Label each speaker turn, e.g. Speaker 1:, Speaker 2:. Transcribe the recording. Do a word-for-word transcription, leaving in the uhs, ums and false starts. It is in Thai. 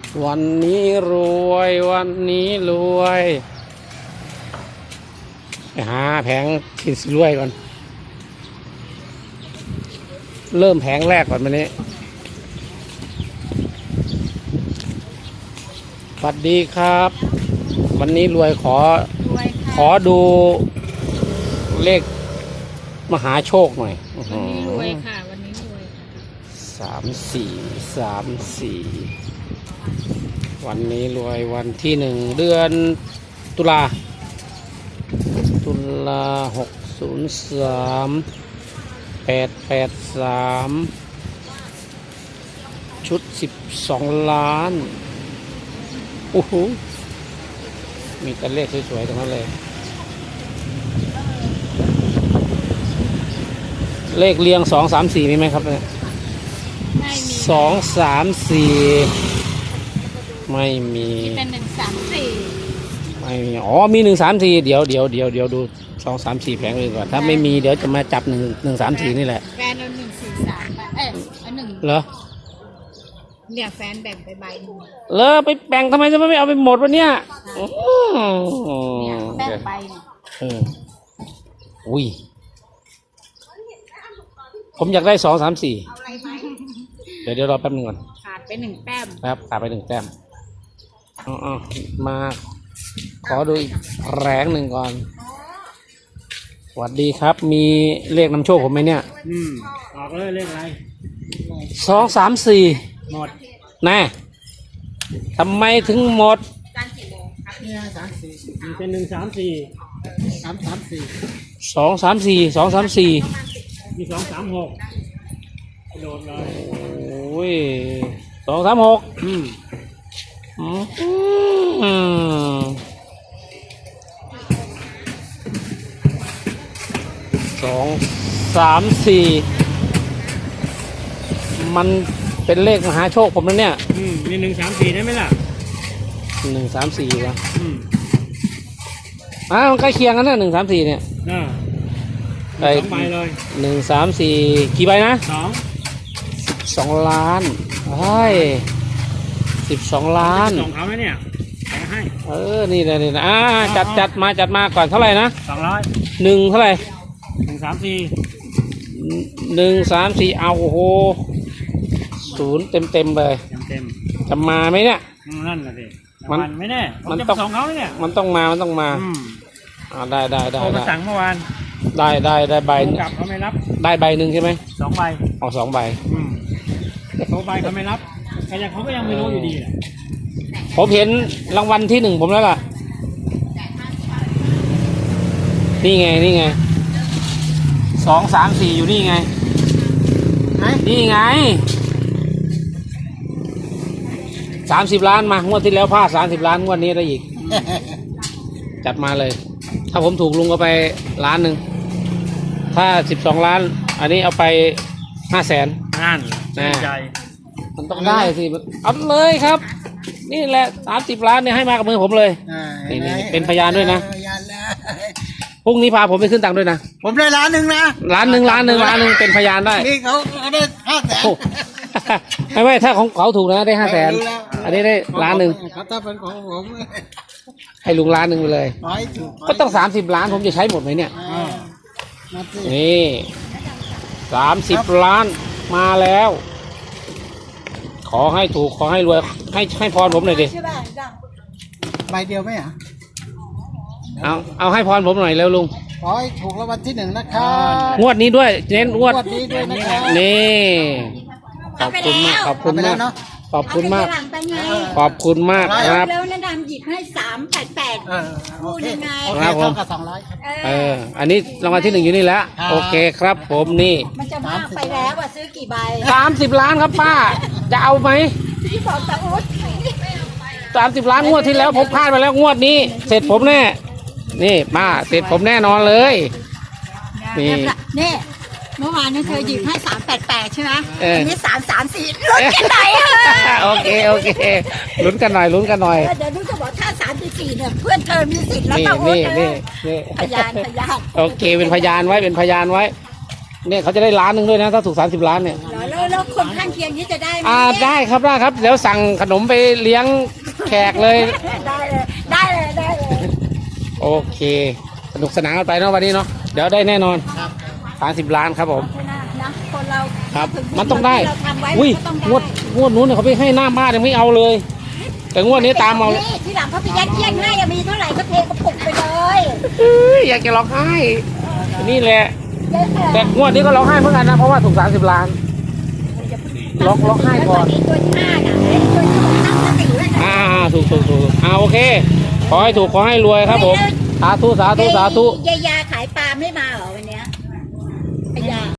Speaker 1: วันนี้รวยวันนี้รวยไปหาแผงที่รวยก่อนเริ่มแผงแรกก่อนวันนี้สวัสดีครับ วันนี้รวยขอขอดูเลขมหาโชคหน่อย
Speaker 2: วันนี้รวยค่ะวันนี้รวย
Speaker 1: สามสี่สามสี่วันนี้รวยวันที่หนึ่งเดือนตุลาตุลาหกศูนย์สามแปดแปดสามชุดสิบสองล้านโอ้โหมีแต่เลขสวยๆทั้งนั้นเลยเลขเรียงสองสามสี่มีไหมครับเนี่ยสองสามสี่ไม่มี
Speaker 2: เป็นหนึ่งสามสี่
Speaker 1: ไม่มีอ๋อมีหนึ่งสามสี่เดี๋ยวเดี๋ยวเดี๋ยวเดี๋ยวดูสองสามสี่แผงเลยก่อนถ้าไม่มีเดี๋ยวจะมาจับหนึ่งหนึ่งสามสี่นี่แหละ
Speaker 2: แฟนเอาหนึ่งสี่สามเอ้ยเอาหนึ่ง
Speaker 1: เหรอ
Speaker 2: เนี่ยแฟนแบ่งไปใบหนึ่ง
Speaker 1: เลอไปแบ่งทำไมจะไม่เอาไปหมดวะเนี่ย
Speaker 2: เนี่ยแบ่งไปเนี่ย
Speaker 1: เอออุ้ยผมอยากได้สองสามสี่เดี๋ยวเดี๋ยวรอแป๊บนึงก่อน
Speaker 2: ขาดไปหนึ่งแต้ม
Speaker 1: ครับขาดไปหนึ่งแต้มอ๋อมาขอดูอีกแรงหนึ่งก่อนสวัสดีครับมีเลขนำโชคผมไหมเนี่ย
Speaker 3: อืมออกเลยเลขอะไร
Speaker 1: สองสามสี่
Speaker 3: หมด
Speaker 1: แน่ทำไมถึงหมด
Speaker 3: เนี่ยสามสี่เป็นหนึ่งสามสี่สามสามสี่
Speaker 1: สองสามสี่สองสามสี่
Speaker 3: มีสองสามหกโดนเลย
Speaker 1: โอ้ยสองสามหก
Speaker 3: อืม
Speaker 1: อืมสองสามสี่มันเป็นเลขมหาโชคผมนะเนี่ย
Speaker 3: อืมมีหนึ่งสามสี่ได้ไหมล่ะ
Speaker 1: หนึ่งสามสี่วะ
Speaker 3: อืม
Speaker 1: อ่ามันใกล้เคียงกันนะหนึ่งสามสี่เนี่ย
Speaker 3: อ่า
Speaker 1: ไป
Speaker 3: สองใบเลย
Speaker 1: หนึ่งสามสี่กี่ใบนะ
Speaker 3: สอง
Speaker 1: สิบสองล้านใช่สิบสองล้าน
Speaker 3: สองเขาไหมเนี่ยแข่ให้
Speaker 1: เออนี่เลยนี่นะอ่าจัดจัดมาจัดมาก่อนเท่าไหร่นะ
Speaker 3: สองร้อย
Speaker 1: หนึ่งเท่าไหร่
Speaker 3: หนึ่งสามสี่
Speaker 1: หนึ่งสามสี่เอาโอ้โหศูนย์เต็มเต็มเลย
Speaker 3: เต็มเต็ม
Speaker 1: จะมาไหมเนี่ย
Speaker 3: นั่นแหละสิมันไม่แน่มันต้องสองเขาเนี่ย
Speaker 1: มันต้องมามันต้องมาอ่าได้ได้ได้
Speaker 3: โทรมาสั่งเมื่อวาน
Speaker 1: ได้ได้ได้ใบ
Speaker 3: กลับเขาไม่รับ
Speaker 1: ได้ใบหนึ่งใช่ไหม
Speaker 3: สองใบ
Speaker 1: เอาสองใบ
Speaker 3: โทรใบเขาไม่รับแต่ยังเขาก็ยังไม่รู้อยู่ดีแหละ
Speaker 1: ผมเห็นรางวัลที่หนึ่งผมแล้วล่ะนี่ไงนี่ไงสองสามสี่อยู่นี่ไงนี่ไงสามสิบล้านมางวดที่แล้วพลาดสามสิบล้านงวดนี้ได้อีกจัดมาเลยถ้าผมถูกลุงก็ไปล้านหนึ่งถ้าสิบสองล้านอันนี้เอาไปห้าแสน
Speaker 3: นั่นใจ
Speaker 1: มันต้องได้สิเอาเลยครับนี่แหละสามสิบล้านเนี่ยให้มากับมือผมเลยนี่นี่เป็นพยานด้วยนะพรุ่งนี้พาผมไปขึ้นตังค์ด้วยนะ
Speaker 3: ผมได้ล้านหนึ่งนะ
Speaker 1: ล้านหนึ่งล้านหนึ่งล้านหนึ่งเป็นพยานได้
Speaker 3: นี่เขาได้ห้าแสน
Speaker 1: ไม่ไม่ถ้าของเขาถูกนะได้ห้าแสนอันนี้ได้ล้านหนึ่ง
Speaker 3: ครับถ้าเป็นของผม
Speaker 1: ให้ลุงล้านหนึ่งไปเลยก็ต้องสามสิบล้านผมจะใช้หมดไหมเนี่ยนี่สามสิบล้านมาแล้วขอให้ถูกขอให้รวยให้ให้พรผมหน่อยดิ
Speaker 3: ใบเดียวไหมอ่ะ
Speaker 1: เอาเอาให้พรผมหน่อยแล้วลุง
Speaker 3: ขอให้ถูกรางวัลที่หนึ่งนะครับ
Speaker 1: งวดนี้ด้วยเน้นงวด
Speaker 3: นี้ด้วยนะครับ
Speaker 1: นี่ขอบคุณมากขอบคุณมากขอบคุณมากขอบคุณมากครับ
Speaker 2: แล้วนะดำหยิบให้สามแปดแปดพูดยังไง
Speaker 1: ครับผมเอออันนี้รางวัลที่หนึ่งอยู่นี่แล้วโอเคครับผมนี่
Speaker 2: มันจะมากไปแล้วอ่ะซื้อกี่ใบ
Speaker 1: สามสิบล้านครับป้าจะเอาไหม
Speaker 2: ที่บอกตะอุด
Speaker 1: สามสิบล้านงวดที่แล้วผมพลาดไปแล้วงวดนี้เสร็จผมแน่นี่ป้าเสร็จผมแน่นอนเลย
Speaker 2: นี่นี่เมื่อวานนี่เธอหยิบให้สามแปดแปดใช่ไหมอันนี้สามสามสี่ลุ้นกันหน่อย
Speaker 1: โอเคโอเคลุ้นกันหน่อยลุ้นกันหน่อย
Speaker 2: เดี๋ยวนู้จะบอกถ้าสามสี่เนี่ยเพื่อนเธอมีสิทธิ์แล้วตะอุดเลยพยานพยาน
Speaker 1: โอเคเป็นพยานไว้เป็นพยานไว้เนี่ยเขาจะได้ล้านหนึ่งด้วยนะถ้าถูกสามสิบล้านเนี่ย
Speaker 2: แล้วแล้วคนข้างเคียงนี้จะได้ไหม
Speaker 1: อ่าได้ครับได้ครับเดี๋ยวสั่งขนมไปเลี้ยงแขกเลย
Speaker 2: ได้เลยได้เลยได้เลย
Speaker 1: โอเคสนุกสนานกันไปเนาะวันนี้เนาะเดี๋ยวได้แน่นอน
Speaker 3: ครับ
Speaker 1: สามสิบล้านครับผม
Speaker 2: นะคนเรา
Speaker 1: ครับ
Speaker 2: ถึ
Speaker 1: มันต้องได้
Speaker 2: เราทำไว้
Speaker 1: อุ้ย
Speaker 2: มันก็ต้องได้
Speaker 1: งวดงวดนู้นเนี่ยเขาไปให้หน้าบ้านยังไม่เอาเลย แต่งวดนี้ตามเอา
Speaker 2: นี่ที่หลังเขาไปยัดเยียดให้อะมีเท่าไหร่ก็เทกระปุกไปเลย
Speaker 1: เอ้ยอยากจะร้องไห้นี่แหละ
Speaker 2: เยอะ
Speaker 1: แต่งวดนี้ก็ร้องไห้เหมือนกันนะเพราะว่าถูกสามสิบล้าน ร้องร้องไห้ก่อน
Speaker 2: ตัวที่ห้าน่ะไอ้ตัวที่หกตั้งสติไว้นะ
Speaker 1: อ่าถูกถูกถูกอ่าโอเคขอให้ถูกขอให้รวยครับผมสาธุสาธุสาธุ
Speaker 2: ยายา